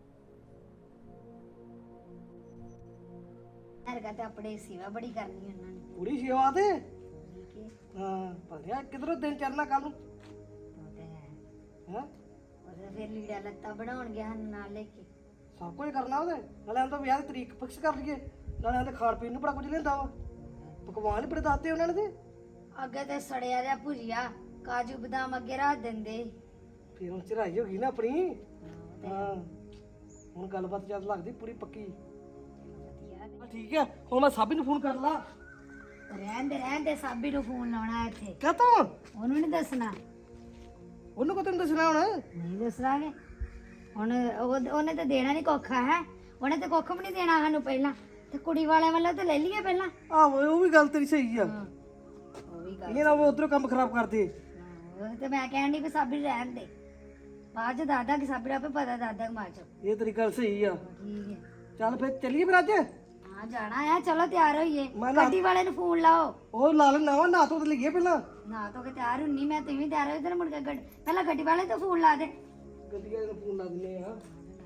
Speaker 6: ਹਰਗਾ ਤੇ ਆਪਣੇ ਸੇਵਾ ਬੜੀ ਕਰਨੀ ਉਹਨਾਂ ਨੇ।
Speaker 8: ਪੂਰੀ ਸੇਵਾ ਤੇ ਹਾਂ ਭਲਿਆ ਕਿਧਰੋਂ ਦਿਨ ਚੜਨਾ ਕੱਲ ਨੂੰ
Speaker 6: ਉਹ ਤੇ ਹੈ।
Speaker 8: ਹੈ
Speaker 6: ਉਹਦੇ ਫਿਰ ਲੀੜਾ ਲੱਤਾ ਬਣਾਉਣ ਗਿਆ ਹਨ ਨਾਲ ਲੈ ਕੇ।
Speaker 8: ਸਭ ਕੁਝ ਕਰਨਾ ਉਹਦੇ ਨਾਲੇ ਆਂਦਾ ਵਿਆਹ ਦੀ ਤਰੀਕ ਫਿਕਸ ਕਰ ਲਈਏ, ਨਾਲੇ ਆਂਦੇ ਖਾਣ ਪੀਣ ਨੂੰ ਬੜਾ ਕੁਝ ਲੈਂਦਾ ਵਾ, ਪਕਵਾਨ ਹੀ ਬੜੇ ਦੱਸਦੇ ਉਹਨਾਂ ਨੇ। ਤੇ
Speaker 6: ਅੱਗੇ ਤੇ ਸੜਿਆ ਜਿਹਾ ਭੁਜੀਆ ਕਾਜੂ ਬਦਾਮ ਅੱਗੇ ਰੱਖ ਦਿੰਦੇ।
Speaker 8: ਫਿਰ ਹੁਣ ਚੜਾਈ ਹੋ ਗਈ ਨਾ ਆਪਣੀ। ਹਾਂ ਹੁਣ ਗੱਲਬਾਤ ਜਦ ਲੱਗਦੀ ਪੂਰੀ ਪੱਕੀ। ਹਾਂ ਠੀਕ ਹੈ, ਹੁਣ ਮੈਂ ਸਾਬੀ ਨੂੰ ਫੋਨ ਕਰ ਲਾ।
Speaker 6: ਰਹਿਣ ਦੇ ਰਹਿਣ ਦੇ, ਸਾਬੀ ਨੂੰ ਫੋਨ ਲਾਉਣਾ ਇੱਥੇ।
Speaker 8: ਕਹਤਾ
Speaker 6: ਉਹਨੂੰ ਨਹੀਂ ਦੱਸਣਾ।
Speaker 8: ਉਹਨੂੰ ਕੋ ਤੈਨੂੰ ਦੱਸਣਾ ਹੁਣ?
Speaker 6: ਨਹੀਂ ਦੱਸਾਂਗੇ ਹੁਣ। ਉਹ- ਉਹਨੇ ਤਾਂ ਦੇਣਾ ਨਹੀਂ ਕੋਖਾ ਹੈ, ਉਹਨੇ ਤਾਂ ਕੁੱਖ ਵੀ ਨਹੀਂ ਦੇਣਾ ਸਾਨੂੰ ਪਹਿਲਾਂ। ਤੇ ਕੁੜੀ ਵਾਲਿਆਂ ਵੱਲੋਂ ਤਾਂ ਲੈ ਲਈਏ ਪਹਿਲਾਂ।
Speaker 8: ਆਹੋ ਉਹ ਵੀ ਗੱਲ ਤੇਰੀ ਸਹੀ ਆ।
Speaker 6: ਉਹ ਵੀ ਗੱਲ
Speaker 8: ਇਹ ਨਾ ਉਹ ਉਧਰੋਂ ਕੰਮ ਖਰਾਬ ਕਰਦੇ।
Speaker 6: ਹਾਂ, ਉਹ ਤੇ ਮੈਂ ਕਹਿਣ ਦੀ ਵੀ ਸਾਬੀ ਨੂੰ ਰਹਿਣ ਦੇ, ਬਾਅਦ ਚ ਦਾਦਾ ਕਿ ਸਾਬੀ ਨੂੰ ਆਪੇ ਪਤਾ ਦਾਦਾ ਕਿ ਮਾਰ ਚ।
Speaker 8: ਇਹ ਤੇਰੀ ਗੱਲ ਸਹੀ ਆ।
Speaker 6: ਠੀਕ ਹੈ।
Speaker 8: ਚੱਲ ਫਿਰ ਚੱਲੀਏ ਫਿਰ ਅੱਜ।
Speaker 6: ਹਾਂ ਜਾਣਾ ਆ, ਚਲੋ ਤਿਆਰ ਹੋਈਏ।
Speaker 8: ਮੈਂ ਨਾ-
Speaker 6: ਗੱਡੀ ਵਾਲੇ ਨੂੰ ਫੋਨ ਲਾਓ।
Speaker 8: ਉਹ ਲਾ ਲੈਣਾ ਵਾ, ਨਾ ਤੋਂ ਤੇ ਲਈਏ ਪਹਿਲਾਂ।
Speaker 6: ਨਾ ਤੋ ਕੇ ਤਿਆਰ ਹੁੰਨੀ ਮੈਂ, ਤੁਸੀਂ ਵੀ ਤਿਆਰ ਹੋ। ਇਧਰ ਮੁੜ ਕੇ ਗੱਡ ਪਹਿਲਾਂ ਗੱਡੀ ਵਾਲੇ ਤੋਂ ਫੋਨ ਲਾ ਦੇ।
Speaker 8: ਗੱਡੀ ਵਾਲੇ ਨੂੰ ਫੋਨ ਲਾ ਦਿੰਦੇ ਆ।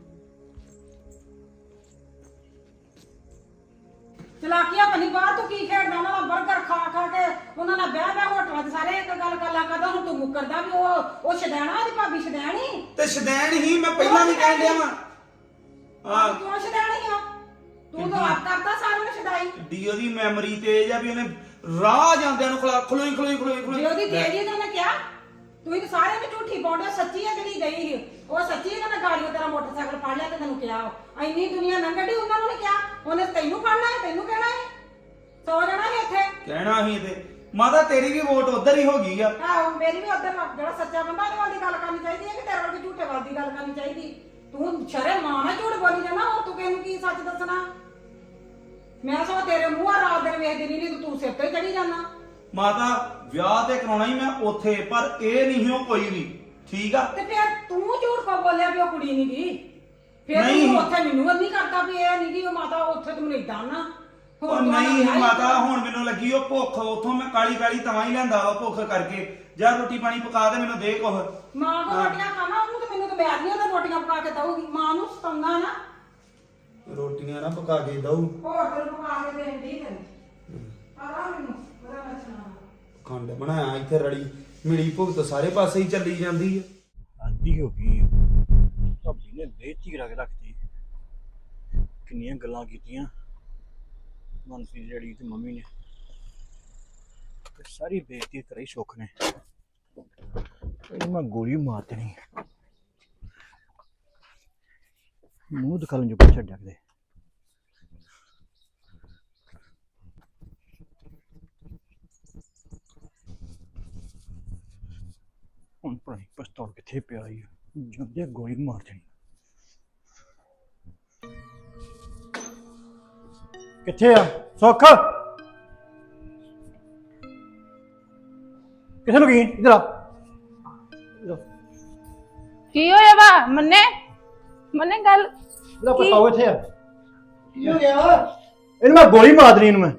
Speaker 1: ਚਲਾਕੀਆਂ ਬਣੀ ਬਾਹਰ ਤੂੰ ਕੀ ਖੇਡਦਾ? ਉਹਨਾਂ ਦਾ 버ਗਰ ਖਾ ਖਾ ਕੇ ਉਹਨਾਂ ਨਾਲ ਬਹਿ ਬਹਿ ਹੋਟਲਾਂ 'ਚ ਸਾਰੇ ਇੱਕ ਗੱਲ ਕਰ ਲਾ ਕਰਦਾ। ਹੁਣ ਤੂੰ ਮੁੱਕਰਦਾ ਵੀ ਉਹ ਉਹ ਸ਼ਦੈਣਾ, ਉਹਦੀ ਭਾਬੀ ਸ਼ਦੈਣੀ।
Speaker 2: ਤੇ ਸ਼ਦੈਣ ਹੀ ਮੈਂ ਪਹਿਲਾਂ ਵੀ ਕਹਿਣ ਡਿਆ ਵਾਂ। ਹਾਂ
Speaker 1: ਕਿਉਂ ਸ਼ਦੈਣੀ ਆ? ਤੂੰ ਤਾਂ ਆਪ ਕਰਦਾ ਸਾਰਿਆਂ ਨੂੰ ਸ਼ਦਾਈ।
Speaker 2: ਡੀ ਉਹਦੀ ਮੈਮਰੀ ਤੇਜ ਆ ਵੀ ਉਹਨੇ ਰਾਹ ਜਾਂਦਿਆਂ ਨੂੰ ਖਲਾ ਖਲੋਈ ਖਲੋਈ ਖਲੋਈ ਖਲੋਈ
Speaker 1: ਜੇ ਉਹਦੀ ਤੇਰੀ ਤਾਂ ਉਹਨੇ ਕਿਹਾ ਤੂੰ ਤਾਂ ਸਾਰਿਆਂ ਨੂੰ ਝੂਠੀ ਪਾਉਂਦਾ। ਸੱਚੀ ਹੈ ਜਿਹੜੀ ਗਈ ਸੀ ਉਹ ਸੱਚੀ ਹੈ। ਕਹਿੰਦਾ ਗਾੜੀਓ ਤੇਰਾ ਮੋਟਰਸਾਈਕਲ ਫੜ ਲਿਆ ਤੇ ਤੈਨੂੰ ਕਿਹਾ ਇੰਨੀ ਦੁਨੀਆ ਲੰਘੜੀ, ਉਹਨਾਂ ਨੂੰ ਨਹੀਂ ਕਿਹਾ। ਉਹਨੇ ਤੈਨੂੰ ਫੜਨਾ ਹੈ, ਤੈਨੂੰ ਕਹਿਣਾ ਹੈ, ਸੌ ਜਾਣਾ ਸੀ ਇੱਥੇ
Speaker 2: ਕਹਿਣਾ ਸੀ ਤੇ ਮਾਤਾ ਤੇਰੀ ਵੀ ਵੋਟ ਉਧਰ ਹੀ ਹੋ ਗਈ ਆ।
Speaker 1: ਆਹੋ ਮੇਰੀ ਵੀ ਉਧਰ ਜਿਹੜਾ ਸੱਚਾ ਬੰਦਾ ਉਹਦੇ ਵੱਲ ਦੀ ਗੱਲ ਕਰਨੀ ਚਾਹੀਦੀ ਹੈ ਕਿ ਤੇਰੇ ਵੱਲ ਝੂਠੇ ਵੱਲ ਦੀ ਗੱਲ ਕਰਨੀ ਚਾਹੀਦੀ। ਤੂੰ ਸ਼ਰੇ ਮਾਂ ਨਾਲ ਝੂਠ ਬੋਲੀ ਜਾਣਾ, ਹੋਰ ਤੂੰ ਕਿਸੇ ਨੂੰ ਕੀ ਸੱਚ ਦੱਸਣਾ? ਮੈਂ ਸੋ ਤੇਰੇ ਮੂੰਹ ਆ ਰਾਤ ਦਿਨ ਵੇਖਦੀ ਨਹੀਂ ਨਹੀਂ ਤੂੰ ਸਿਰ ਤੇ ਚੜੀ ਜਾਣਾ।
Speaker 2: ਮਾਤਾ ਵਿਆਹ ਤੇ ਕਰਾਉਣਾ ਹੀ ਮੈਂ ਉੱਥੇ, ਪਰ ਇਹ ਨਹੀਂ ਉਹ ਕੋਈ ਵੀ। ਠੀਕ ਆ
Speaker 1: ਤੇ ਫਿਰ ਤੂੰ ਝੂਠ ਕੋ ਬੋਲਿਆ ਵੀ ਉਹ ਕੁੜੀ ਨਹੀਂ ਗਈ? ਫਿਰ
Speaker 2: ਨਹੀਂ।
Speaker 1: ਤੂੰ ਉੱਥੇ ਮੈਨੂੰ ਨਹੀਂ ਕਰਦਾ ਵੀ ਇਹ ਨਹੀਂ ਗਈ ਉਹ ਮਾਤਾ ਉੱਥੇ ਤੂੰ ਮੈਨੂੰ ਇਦਾਂ ਨਾ।
Speaker 2: ਉਹ ਨਹੀਂ ਮਾਤਾ ਹੁਣ ਮੈਨੂੰ ਲੱਗੀ ਉਹ ਭੁੱਖ ਉਥੋਂ ਮੈਂ ਕਾਲੀ ਕਾਲੀ ਤਵਾਂ ਹੀ ਲੈਂਦਾ ਵਾ ਭੁੱਖ ਕਰਕੇ ਜਾ ਰੋਟੀ ਪਾਣੀ ਪਕਾ ਦੇ ਮੈਨੂੰ ਦੇ ਕੁਛ
Speaker 1: ਮਾਂ ਕੋ ਰੋਟੀਆਂ ਖਾਣਾ ਉਹਨੂੰ ਤੇ ਮੈਨੂੰ ਤੇ ਮੈਂ ਨਹੀਂ ਉਹਦਾ ਰੋਟੀਆਂ ਪਕਾ ਕੇ ਦਊਗੀ ਮਾਂ ਨੂੰ ਸਤਾਉਂਦਾ ਨਾ
Speaker 2: ਰੋਟੀਆਂ ਨਾ ਪਕਾ ਕੇ ਦਊ
Speaker 1: ਹੋਰ ਤੈਨੂੰ ਪਕਾ ਕੇ ਦੇਣ ਦੀ ਤੈਨੂੰ ਆਰਾ ਮੈਨੂੰ ਬੜਾ ਨੱਚਣਾ
Speaker 2: ਖੰਡ ਬਣਾਇਆ ਇੱਥੇ ਰੜੀ ਮਿਲੀ ਭੁਗਤ ਸਾਰੇ ਪਾਸੇ ਹੀ ਚੱਲੀ ਜਾਂਦੀ ਹੈ
Speaker 9: ਆਦੀ ਹੋ ਗਈ ਭਾਬੀ ਨੇ ਬੇਇੱਜ਼ਤੀ ਕਰਾ ਕੇ ਰੱਖਤੀ ਕਿੰਨੀਆਂ ਗੱਲਾਂ ਕੀਤੀਆਂ ਮਨਸੀ ਜਿਹੜੀ ਤੇ ਮੰਮੀ ਨੇ ਤੇ ਸਾਰੀ ਬੇਇੱਜ਼ਤੀ ਕਰਾਈ ਸੁੱਖ ਨੇ ਇਹ ਮੈਂ ਗੋਲੀ ਮਾਰ ਦੇਣੀ ਮੂੰਹ ਦਿਖਾਉਣ ਜੋ ਛੱਡਿਆ ਕਿਤੇ ਹੁਣ ਭਾਈ ਪਿਸਤੌਲ ਕਿੱਥੇ ਪਿਆ ਈ ਜਾਂਦੇ ਗੋਲੀ ਮਾਰ ਦੇਣੀ
Speaker 4: ਕਿੱਥੇ ਆ ਸੁੱਖ ਕਿੱਥੇ ਨੂੰ ਗਈ ਇਧਰ ਆ
Speaker 3: ਕੀ ਹੋਇਆ ਵਾ ਮੰਨੇ ਮੰਨੇ ਗੱਲ
Speaker 4: ਇਹਦਾ ਪਤਾਓ ਇੱਥੇ ਆ ਕੀ ਹੋ ਗਿਆ ਇਹਨੂੰ ਮੈਂ ਗੋਲੀ ਮਾਰ ਦੇਣੀ ਇਹਨੂੰ ਮੈਂ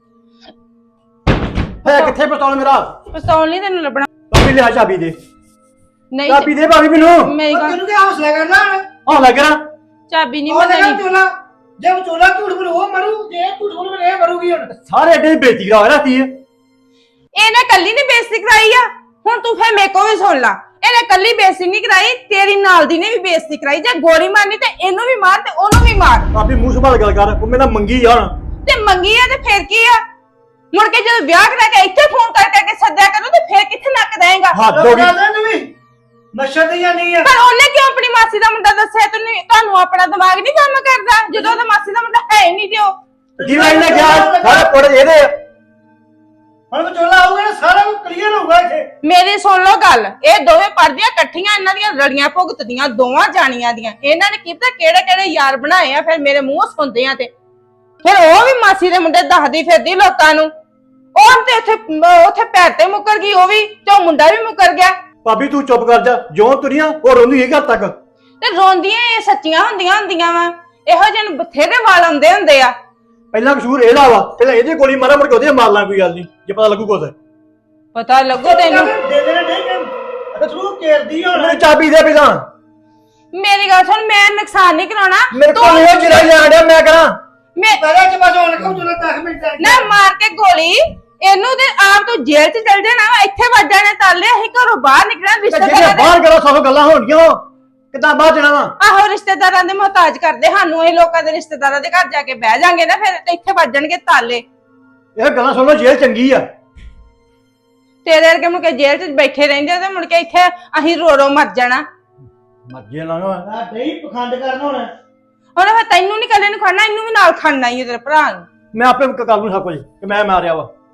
Speaker 4: ਹੈ ਕਿੱਥੇ ਪਿਸਤੌਲ ਮੇਰਾ
Speaker 3: ਪਿਸਤੌਲ ਨਹੀਂ ਤੈਨੂੰ ਲੱਭਣਾ
Speaker 4: ਭਾਬੀ ਲਿਆ ਚਾਬੀ ਦੇ
Speaker 3: ਨਹੀਂ
Speaker 4: ਚਾਬੀ ਦੇ ਭਾਬੀ ਮੈਨੂੰ
Speaker 3: ਮੇਰੀ ਗੱਲ
Speaker 8: ਤੈਨੂੰ ਕੀ ਹੌਸਲਾ ਕਰਨਾ
Speaker 4: ਹਾਂ ਲੱਗ ਰਿਹਾ
Speaker 3: ਚਾਬੀ ਨਹੀਂ
Speaker 8: ਉਹ
Speaker 3: ਮੈਂ
Speaker 8: ਦੇਖਾ
Speaker 3: ਦੇਣੀ
Speaker 8: ਚੋਲਾ ਜੇ ਚੋਲਾ ਝੂਠ ਬੋਲ ਉਹ ਮਰੂ ਜੇ ਝੂਠ ਬੋਲ ਇਹ ਮਰੂਗੀ ਹੁਣ
Speaker 4: ਸਾਰੇ ਅੱਡੇ ਦੀ ਬੇਇੱਜ਼ਤੀ ਕਰਾ ਰਹੀ ਹੈ
Speaker 3: ਇਹਨੇ ਕੱਲੀ ਨੇ ਬੇਇੱਜ਼ਤੀ ਕਰਾਈ ਆ ਹੁਣ ਤੂੰ ਫੇਰ ਮੇਰੇ ਕੋਲ ਵੀ ਸੁਣ ਲਾ ਇਹਨੇ ਕੱਲੀ ਬੇਇੱਜ਼ਤੀ ਨਹੀਂ ਕਰਾਈ ਤੇਰੀ ਨਾਲ ਦੀ ਨੇ ਵੀ ਬੇਇੱਜ਼ਤੀ ਕਰਾਈ ਜੇ ਗੋਲੀ ਮਾਰਨੀ ਤੇ ਇਹਨੂੰ ਵੀ ਮਾਰ ਤੇ ਉਹਨੂੰ ਵੀ ਮਾਰ
Speaker 4: ਭਾਬੀ ਮੂੰਹ ਸੰਭਾਲ ਗੱਲ ਕਰ ਉਹ ਮੇਰਾ ਮੰਗੀ ਜਾਣ
Speaker 3: ਤੇ ਮੰਗੀ ਆ ਤੇ ਫੇਰ ਕੀ ਆ ਮੁੜ ਕੇ ਜਦੋਂ ਵਿਆਹ ਕਰਾ ਕੇ ਇੱਥੇ ਫੋਨ ਕਰ ਕਰਕੇ ਸੱਦਿਆ ਕਰੋ ਤੇ ਫੇਰ ਕਿੱਥੇ ਨੱਕ ਦੇਂਗਾ
Speaker 4: ਹੱਦ ਹੋ ਗਈ
Speaker 8: ਤੂੰ ਵੀ ਨਸ਼ਾ ਤੇ ਜਾਂ ਨਹੀਂ ਆ
Speaker 3: ਪਰ ਉਹਨੇ ਕਿਉਂ ਆਪਣੀ ਮਾਸੀ ਦਾ ਮੁੰਡਾ ਦੱਸਿਆ ਤੈਨੂੰ ਤੁਹਾਨੂੰ ਆਪਣਾ ਦਿਮਾਗ ਨਹੀਂ ਕੰਮ ਕਰਦਾ ਜਦੋਂ ਉਹਦਾ ਮਾਸੀ ਦਾ ਮੁੰਡਾ ਹੈ ਹੀ ਨਹੀਂ ਤੇ ਉਹ
Speaker 4: ਜਿਵੇਂ ਇਹਨੇ ਕਿਹਾ ਸਾਰੇ ਪੁੱਟ ਇਹਦੇ ਆ
Speaker 8: ਹੁਣ ਚੋਲਾ ਆਊਗਾ ਨਾ ਸਾਰਾ ਕੁਝ ਕਲੀਅਰ ਹੋਊਗਾ ਇੱਥੇ
Speaker 3: ਮੇਰੀ ਸੁਣ ਲਓ ਗੱਲ ਇਹ ਦੋਵੇਂ ਪੜਦੀਆਂ ਇਕੱਠੀਆਂ ਇਹਨਾਂ ਦੀਆਂ ਰੜੀਆਂ ਭੁਗਤਦੀਆਂ ਦੋਵਾਂ ਜਾਣੀਆਂ ਦੀਆਂ ਇਹਨਾਂ ਨੇ ਕੀਤਾ ਕਿਹੜੇ ਕਿਹੜੇ ਯਾਰ ਬਣਾਏ ਆ ਫਿਰ ਮੇਰੇ ਮੂੰਹ ਸੁਣਦੇ ਆ ਤੇ ਫਿਰ ਉਹ ਵੀ ਮਾਸੀ ਦੇ ਮੁੰਡੇ ਦੱਸਦੀ ਫਿਰਦੀ ਲੋਕਾਂ ਨੂੰ ਉਹ ਤੇ ਉੱਥੇ ਉੱਥੇ ਪੈਰ ਤੇ ਮੁੱਕਰ ਗਈ ਉਹ ਵੀ ਤੇ ਉਹ ਮੁੰਡਾ ਵੀ ਮੁੱਕਰ ਗਿਆ
Speaker 4: ਭਾਬੀ ਤੂੰ ਚੁੱਪ ਕਰ ਜਾ ਜਿਉਂ ਤੁਰੀਆਂ ਉਹ ਰੋਂਦੀ ਹੈ ਘਰ ਤੱਕ
Speaker 3: ਤੇ ਰੋਂਦੀਆਂ ਇਹ ਸੱਚੀਆਂ ਹੁੰਦੀਆਂ ਹੁੰਦੀਆਂ ਵਾ ਇਹੋ ਜਿਹੇ ਨੂੰ ਬਥੇਰੇ ਵਾਲ ਆਉਂਦੇ ਹੁੰਦੇ ਆ
Speaker 4: ਪਹਿਲਾਂ ਕਸੂਰ ਇਹਦਾ ਵਾ ਪਹਿਲਾਂ ਇਹਦੇ ਗੋਲੀ ਮਾਰਾ ਮੁੜ ਕੇ ਉਹਦੇ ਮਾਰ ਲਾਂ ਕੋਈ ਗੱਲ ਨਹੀਂ ਜੇ ਪਤਾ ਲੱਗੂ ਕੁਛ
Speaker 3: ਪਤਾ ਲੱਗੂ ਤੈਨੂੰ
Speaker 8: ਦੇ ਦੇਣਾ ਨਹੀਂ ਕਿ ਤੂੰ ਕੇਰਦੀ ਹੁਣ
Speaker 4: ਮੈਨੂੰ ਚਾਬੀ ਦੇ ਪਹਿਲਾਂ
Speaker 3: ਮੇਰੀ ਗੱਲ ਸੁਣ ਮੈਂ ਨੁਕਸਾਨ ਨਹੀਂ ਕਰਾਉਣਾ
Speaker 4: ਮੇਰੇ ਕੋਲ ਇਹ ਜਿਹੜਾ ਜਾਣ ਡਿਆ ਮੈਂ ਕਰਾਂ
Speaker 3: ਮੈਂ
Speaker 8: ਪਹਿਲਾਂ ਚ ਬਸ ਹੁਣ ਕਹੂੰ ਚੋਲਾ ਦਸ ਮਿੰਟ ਤੱਕ
Speaker 3: ਨਾ ਮਾਰ ਕੇ ਗੋਲੀ ਇਹਨੂੰ ਤੇ ਆਪ ਤੋਂ ਜੇਲ੍ਹ 'ਚ ਚਲ ਜਾਣਾ ਇੱਥੇ ਵੱਜ ਜਾਣੇ ਤਾਲੇ ਅਸੀਂ ਘਰੋਂ ਬਾਹਰ ਨਿਕਲਣਾ
Speaker 4: ਜਿਹੜੇ
Speaker 3: ਰਿਸ਼ਤੇਦਾਰਾਂ ਦੇ
Speaker 4: ਬਾਹਰ ਗੱਲਾਂ ਸੌ ਗੱਲਾਂ ਹੋਣਗੀਆਂ ਕਿੱਦਾਂ ਬਾਹਰ ਜਾਣਾ ਵਾ
Speaker 3: ਆਹੋ ਰਿਸ਼ਤੇਦਾਰਾਂ ਦੇ ਮੁਹਤਾਜ ਕਰਦੇ ਸਾਨੂੰ ਇਹ ਲੋਕਾਂ ਦੇ ਰਿਸ਼ਤੇਦਾਰਾਂ ਦੇ ਘਰ ਜਾ ਕੇ ਬਹਿ ਜਾਾਂਗੇ ਨਾ ਫਿਰ ਤੇ ਇੱਥੇ ਵੱਜਣਗੇ ਤਾਲੇ
Speaker 4: ਇਹ ਗੱਲਾਂ ਸੁਣ ਲਓ ਜੇਲ੍ਹ ਚੰਗੀ ਆ
Speaker 3: ਤੇਰੇ ਵਰਗੇ ਮੁੜ ਕੇ ਜੇਲ੍ਹ 'ਚ ਬੈਠੇ ਰਹਿੰਦੇ ਤੇ ਮੁੜ ਕੇ ਇੱਥੇ ਅਸੀਂ ਰੋ ਰੋ ਮਰ ਜਾਣਾ
Speaker 4: ਮਰਜੇ ਲਾਂਗਾ
Speaker 8: ਆ ਨਹੀਂ ਪਖੰਡ ਕਰਨਾ ਹੁਣ
Speaker 3: ਹੁਣ ਫਿਰ ਤੈਨੂੰ ਨਹੀਂ ਕੱਲੇ ਨੂੰ ਖੜਨਾ ਇਹਨੂੰ ਵੀ ਨਾਲ ਖੜਨਾ ਹੀ ਤੇਰੇ ਭਰਾ ਨੂੰ
Speaker 4: ਮੈਂ ਆਪੇ ਕਰ ਲੂੰ ਸਭ ਕੁਝ ਕਿ ਮੈਂ ਮਾਰਿਆ ਵਾ